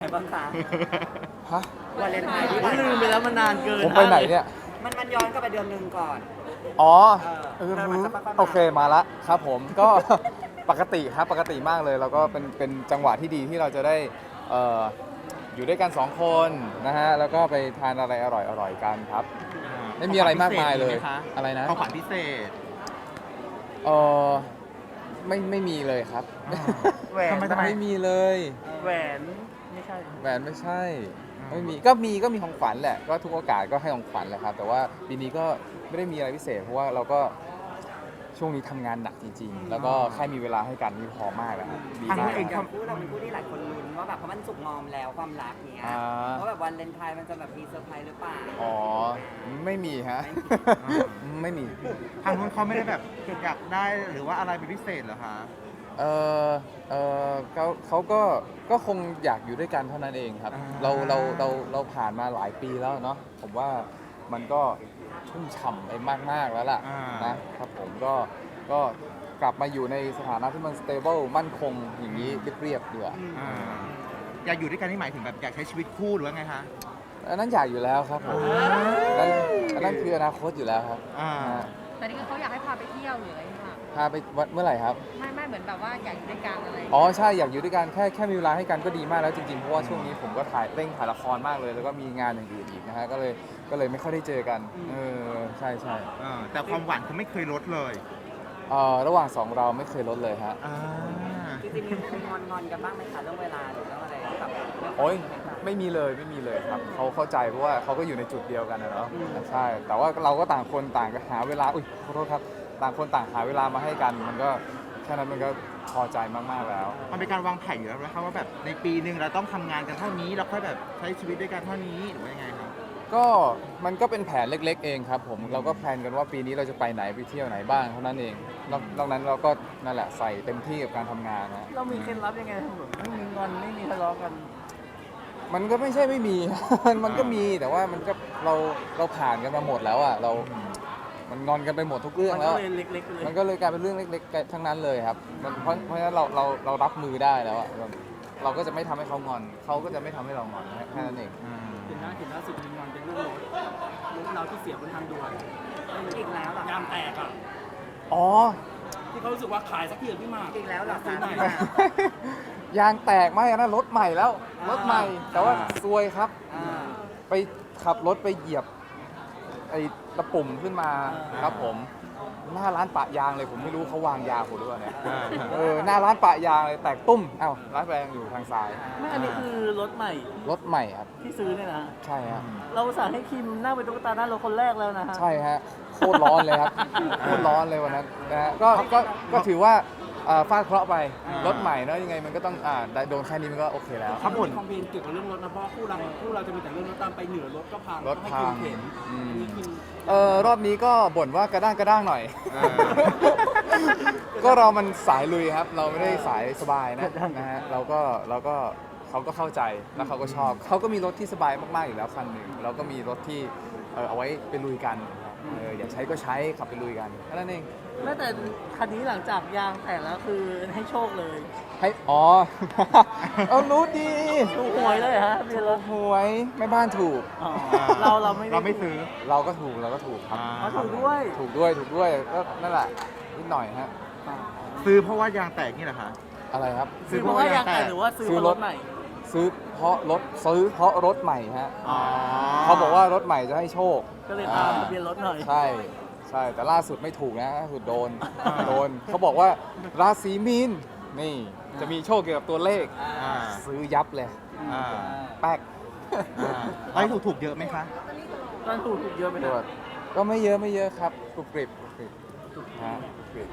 บ้างคะฮะวาเลนไทน์ที่ผ่านลืมไปแล้วมันนานเกินผมไปไหนเนี่ยมันย้อนกลับไปเดือนหนึ่งก่อนอ๋อเออมันจะค่อยๆมาโอเคมาละครับผมก็ ปกติครับปกติมากเลยแล้วก็เป็นจังหวะที่ดีที่เราจะได้เอ่ออยู่ด้วยกันสองคนนะฮะแล้วก็ไปทานอะไรอร่อยกันครับ ไม่มีอะไรมากมายเลยอะไรนะของขวัญพิเศษเออไม่มีเลยครับแหวนทำไมไม่มีเลยแหวนไม่ใช่แหวนไม่ใช่อืมก็มีของขวัญแหละก็ทุกโอกาสก็ให้ของขวัญแหละครับแต่ว่าปีนี้ก็ไม่ได้มีอะไรพิเศษ เพราะว่าเราก็ช่วงนี้ทำงานหนักจริงๆ แล้วก็แค่มีเวลาให้กันนี่พอมากแล้วครับดีทางมานู้กนเองอย่างคู่เราเป็นคู่ที่หลายคนลุ้นว่าแบบเพราะมันสุกงอมแล้วความรักเนี้ยอ่าว่าแบบวันเลนไทน์มันจะแบบมีเซอร์ไพรส์หรือเปล่าอ๋อไม่มีฮะ ไม่มีทางนู้นเขาไม่ได้แบบอยากได้หรือว่าอะไรเป็นพิเศษเหรอคะเออเขาก็คงอยากอยู่ด้วยกันเท่านั้นเองครับอ่าเราผ่านมาหลายปีแล้วเนาะผมว่ามันก็ชุ่มฉ่ำไปมากๆแล้วล่ะนะครับผมก็กลับมาอยู่ในสถานะที่มัน stable มั่นคงอย่างนี้เรียบๆดีกว่าอ่าอยากอยู่ด้วยกันนี่หมายถึงแบบอยากใช้ชีวิตคู่หรือว่าไงคะอันนั้นอยากอยู่แล้วครับผมอันนั้นคืออนาคตอยู่แล้วครับอ่านะฮะแต่นี่คือเขาอยากให้พาไปเที่ยวหรืออะไรค่ะพาไปวัดเมื่อไหร่ครับไม่เหมือนแบบว่าอยากอยู่ด้วยกันอะไรอ๋อใช่อยากอยู่ด้วยกันแค่มีเวลาให้กันก็ดีมากแล้วจริงๆเพราะว่าช่วงนี้ผมก็เร่งถ่ายละครมากเลย แล้วก็มีงานอย่างอื่นอีกนะฮะก็เลยไม่ค่อยได้เจอกันใช่แต่ความหวานเขาไม่เคยลดเลยระหว่างสองเราไม่เคยลดเลยฮะอ่าจริงๆมีงอนกันบ้างไหมคะเรื่องเวลาหรือเรื่องอะไรกับเรื่องโอ้ยไม่มีเลยครับเขาเข้าใจเพราะว่าเขาก็อยู่ในจุดเดียวกันนะเนาะใช่แต่ว่าเราก็ต่างคนต่างหาเวลาอุ้ยขอโทษครับต่างคนต่างหาเวลามาให้กันมันก็แค่นั้นมันก็พอใจมากๆแล้วมันเป็นการวางแผนอยู่แล้วนะครับว่าแบบในปีหนึ่งเราต้องทำงานกันเท่านี้แล้วค่อยแบบใช้ชีวิตด้วยกันเท่านี้หรือว่ายังไงครับก็มันก็เป็นแผนเล็กๆเองครับผมเราก็แพลนกันว่าปีนี้เราจะไปไหนไปเที่ยวไหนบ้างเท่านั้นเองนอกนั้นเราก็นั่นแหละใส่เต็มที่กับการทำงานนะเรามีเคล็ดลับยังไงแบบไม่มีงอนไม่มีทะเลาะกันมันก็ไม่ใช่ไม่มี มันก็มีแต่ว่ามันก็เราผ่านกันมาหมดแล้วอ่ะมันงอนกันไปหมดทุกเรื่องมันแล้ก็วเลยเล็กๆเลยมันก็เลยกลายเป็นเรื่องเล็กๆทั้งนั้นเลยครับเพราะฉะนั้นเรารับมือได้แล้วอ่ะเราก็จะไม่ทำให้เขางอนเขาก็จะไม่ทำให้เรางอนแค่นั้นเองเห็นล่าสุดมีงอนเป็นเรื่องรถเราที่เสียบนทางด่วนอีกแล้วเหรอยางแตกอ่ะอ๋อที่เขารู้สึกว่าขายสักทีเถอะพี่หมากอีกแล้วเหรอซื้คะอหน่อยยางแตกไหมอันนั้นรถใหม่แล้วรถใหม่ แต่ว่าซวยครับอ่าไปขับรถไปเหยียบไอ้ตะปุ่มขึ้นมาครับผมหน้าร้านปะยางเลยผมไม่รู้เขาวางยาผมหรือเปล่าเนี่ยหน้าร้านปะยางเลยแตกตุ้มอ้าวร้านแปลงอยู่ทางซ้ายไม่อันนี้คือรถใหม่รถใหม่ครับที่ซื้อเนี่ยนะใช่ฮะเราสั่งให้คิมนั่งเป็นตุ๊กตาหน้ารถคนแรกแล้วนะฮะใช่ฮะโคตรร้อนเลยครับโคตรร้อนเลยวันนั้นนะฮะก็ถือว่าฟาดเคราะห์ไปรถใหม่เนาะยังไงมันก็ต้องได้โดนแค่นี้มันก็โอเคแล้วเขาบ่นคอมเพลนเกี่ยวกับเรื่องรถนะเพราะว่าคู่เราจะมีแต่เรื่องรถตามไปเหนือรถก็พังรถให้พัคิงมเข็นอืมอันนี้คิมรอบนี้ก็บ่นว่ากระด้างหน่อยอ่าก็เรามันสายลุยครับ เราไม่ได้สายสบายนะฮะเราก็เขาก็เข้าใจแล้วเขาก็ชอบเขาก็มีรถที่สบายมากๆอยู่แล้วคันหนึ่งเราก็มีรถที่เอาไว้ไปลุยกันอยากใช้ก็ใช้ขับไปลุยกันแค่นั้นเองแม้แต่คันนี้หลังจากยางแตกแล้วคือให้โชคเลยให้อ๋อ เอารู้ดีถูกหวยเลยฮะมีรถหวยแม่บ้านถูกอ๋ออ่าเราไม่ได้เราไม่ซื้อเราก็ถูกครับอ๋อถูกด้วยถูกด้วยก็นั่นแหละนิดหน่อยฮะซื้อเพราะว่ายางแตกนี่แหละคะอะไรครับซื้อเพราะว่ายางแตกหรือว่าซื้อเพราะรถใหม่ซื้อเพราะรถใหม่ฮะอ๋อเขาบอกว่ารถใหม่จะให้โชคก็เลยตามทะเบียนรถหน่อยใช่แต่ล่าสุดไม่ถูกนะล่าสุดโดนเขาบอกว่าราศีมีนนี่จะมีโชคเกี่ยวกับตัวเลขอ่าซื้อยับเลยอ่าแป๊กไอ้ถูกเยอะไหมคะตอนถูกเยอะไหมตรวฮะจก็ไม่เยอะครับกรุบกริบฮะกรุบกริบ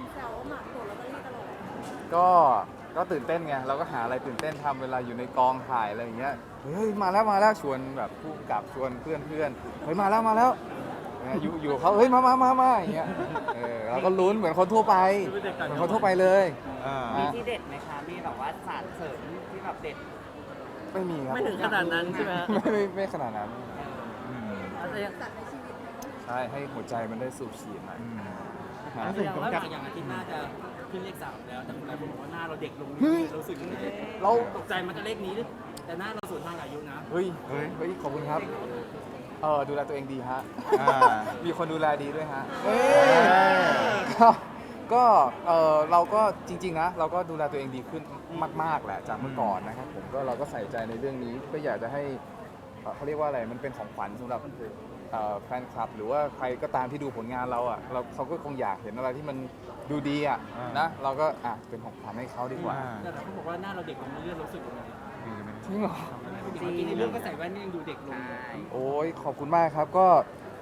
ก็ตื่นเต้นไงเราก็หาอะไรตื่นเต้นทำเวลาอยู่ในกองถ่ายอะไรอย่างเงี้ยเฮ้ยมาแล้วชวนแบบผู้กำกับชวนเพื่อนเฮ้ยมาแล้วอยู่เขาเฮ้ยมาอย่างเงี้ยเราก็ลุ้นเหมือนคนทั่วไปเลยอ่ามีที่เด็ดไหมคะ มีแบบว่าสารเสริมที่แบบเด็ดไม่มีครับไม่ถึงขนาดนั้นใช่ไหมฮะไม่ขนาดนั้นอืมอาจจะยังใช่ให้หัวใจมันได้สูบฉีดหน่อยอืมฮะแล้วอย่างผมว่าจะอย่างอาทิตย์หน้าจะขึ้นเลข 3 แล้วแต่หลายคนบอกว่าหน้าเราเด็กลงเฮ้ยรู้สึกยังไงเราตกใจมันจะเลขนี้หรือแต่หน้าเราสวนทางอายุนะเฮ้ยขอบคุณครับดูแลตัวเองดีฮะอ่ามีคนดูแลดีด้วยฮะเอ้ยก็เราก็จริงๆนะเราก็ดูแลตัวเองดีขึ้นมากๆแหละจากเมื่อก่อนนะครับผมก็เราก็ใส่ใจในเรื่องนี้ก็อยากจะให้เขาเรียกว่าอะไรมันเป็นของขวัญสำหรับแฟนคลับ หรือว่าใครก็ตามที่ดูผลงานเราอ่ะเขาก็คงอยากเห็นอะไรที่มันดูดีอ่ะอ่านนะเราก็เป็นของขวัญให้เขาดีกว่าแต่เขาบอกว่าหน้าเราเด็กลงเรื่อยๆรู้สึกยังไงจริงเหรอจริงในเรื่องก็ใส่แว่นนี่ยังดูเด็กลงใช่โอ้ยขอบคุณมากครับก็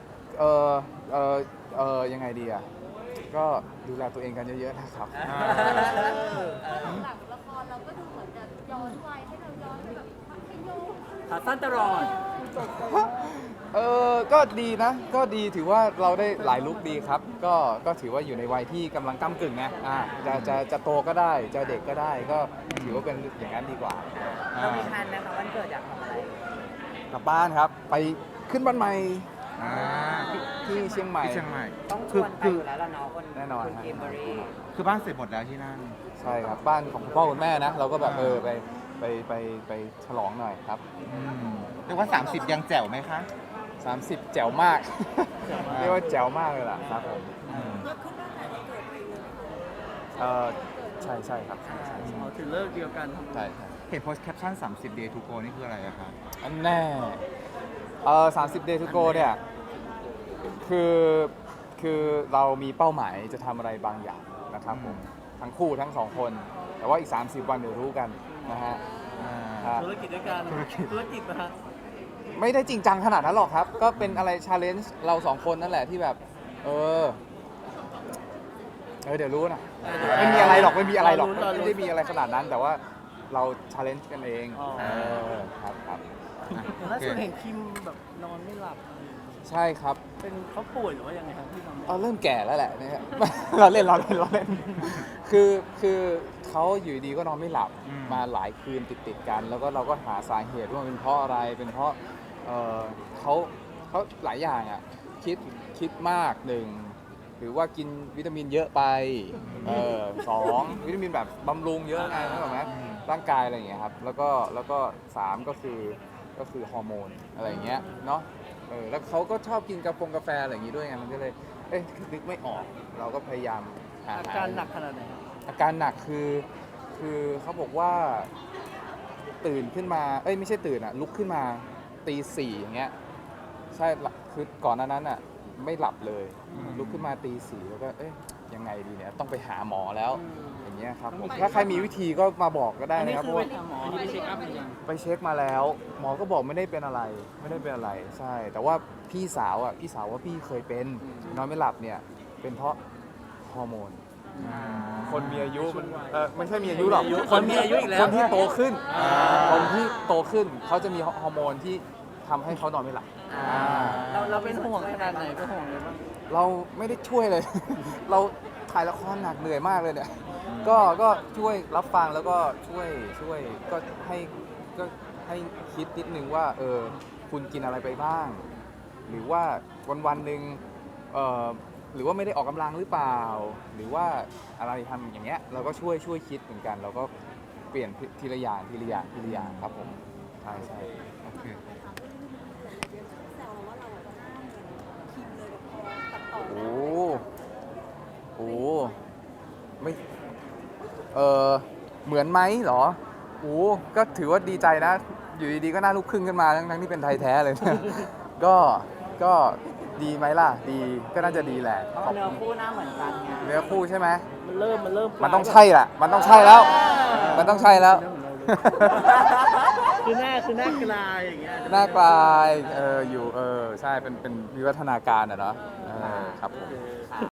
ยังไงดีอ่ะก็ดูแลตัวเองกันเยอะๆนะครับหลังละครเราก็ดูเหมือนจะย้อนวัยให้เราย้อนไปแบบมัธยมขาสั้นตลอดก็ดีนะ ก็ดีถือว่าเราได้หลายลุคดีครับ ก็ถือว่าอยู่ในวัยที่กำลังก้ากึ่งไงจะโตก็ได้ จะเด็กก็ได้ ก็ถือว่าเป็นอย่างนั้นดีกว่าเรามีแพลนนะคะวันเกิดอยากทำอะไรกลับบ้านครับ ไปขึ้นบ้านใหม่อ่าที่เชียงใหม่ที่เชียงใหม่ต้องชวนไปอยู่แล้วล่ะเนาะคนแน่นอนคุณเกมเบอรี่คือบ้านเสร็จหมดแล้วที่นั่นใช่ครับ บ้านของคุณพ่อคุณแม่นะ เราก็แบบไปฉลองหน่อยครับเรียกว่า 30 ยังแจ๋วไหมคะ 30 แจ๋วมาก เรียกว่าแจ๋วมากเลยล่ะครับผมใช่ครับใช่ถึงเลิกเดียวกันทำใช่เห็นโพสต์แคปชั่น 30 day to go นี่คืออะไรอะคะอันแน่30 day to go เนี่ยคือเรามีเป้าหมายจะทำอะไรบางอย่างนะครับผมทั้งคู่ทั้งสองคน แต่ว่าอีก 30 วันเดี๋ยวรู้กันนะฮะครับธุรกิจด้วยกันธุรกิจนะฮะไม่ได้จริงจังขนาดนั้นหรอกครับ ก็เป็นอะไรชาเลนจ์เราสองคนนั่นแหละที่แบบ เดี๋ยวรู้นะไม่มีอะไรหรอกไม่มีอะไรหรอกไม่ได้มีอะไรขนาดนั้น แต่ว่าเราชาเลนจ์กันเองครับล่าสุดเห็นคิมแบบนอนไม่หลับใช่ครับเป็นเขาป่วยหรือว่ายังไงครับที่นอนไม่หลับเริ่มแก่แล้วแหละเนี่ย เราเล่นคือเขาอยู่ดีก็นอนไม่หลับมาหลายคืนติดกัน แล้วก็เราก็หาสาเหตุว่ามันเป็นเพราะอะไรเป็นเพราะเขาหลายอย่างอ่ะคิดมากหนึ่งหรือว่ากินวิตามินเยอะไปสองวิตามินแบบบำรุงเยอะไงเข้าใจไหมร่างกายอะไรอย่างเงี้ยครับแล้วก็สามก็คือฮอร์โมนอะไรอย่างเงี้ยเนาะแล้วเขาก็ชอบกินกาแฟอะไรอย่างงี้ด้วยไงมันก็เลยนึกไม่ออกเราก็พยายามหาอาการหนักขนาดไหนครับอาการหนักคือเขาบอกว่าตื่นขึ้นมาไม่ใช่ตื่นลุกขึ้นมาตีสี่อย่างเงี้ยใช่คือก่อนหน้านั้นไม่หลับเลยลุกขึ้นมาตีสี่แล้วก็ยังไงดีเนี่ยต้องไปหาหมอแล้วอย่างเงี้ยครับผมถ้าใครมีวิธีก็มาบอกก็ได้อันนี้นะครับคืเพอราะไปว่าหาหมออันนี้ไปเช็คอัพหรือยังไปเช็คมาแล้ว หมอก็บอกไม่ได้เป็นอะไรใช่ แต่ว่าพี่สาวว่าพี่เคยเป็นนอนไม่หลับเนี่ยเป็นเพราะฮอร์โมน คนมีอายุมันไม่ใช่มีอายุหรอกคนมีอายุอีกแล้วคนที่โตขึ้นคนที่โตขึ้นเขาจะมีฮอร์โมนที่ทำให้เขานอนไม่หลับเราเป็นห่วงขนาดไหนเป็นห่วงอะไรบ้างเราไม่ได้ช่วยเลย เราถ่ายละครหนักเหนื่อยมากเลยเนี่ยก็ช่วยรับฟังแล้วก็ช่วยก็ให้คิดนิดนึงว่าคุณกินอะไรไปบ้าง หรือว่าวันหนึ่งหรือว่าไม่ได้ออกกำลังหรือเปล่า หรือว่าอะไรทำอย่างเงี้ยเราก็ช่วยคิดเหมือนกัน เราก็เปลี่ยนทีละอย่างครับผมใช่โอเคโอ้ไม่เหมือนไหมเหรอก็ถือว่าดีใจนะ อยู่ดีๆก็หน่าลูกครึ่งขึ้นมาทั้งที่เป็นไทยแท้เลย ก็ดีไหมล่ะดีก็น่าจะดีแหละเพราะว่าเนื้อคู่หน้าเหมือนกันไงเนื้อคู่ใช่ไหมมันเริ่มมันต้องใช่แหละมันต้องใช่แล้ว มันต้องใช่แล้วคือหน้ากลายอย่างเงี้ยหน้ากลายอยู่ใช่เป็นวิวัฒนาการอะเนาะครับผมค่ะ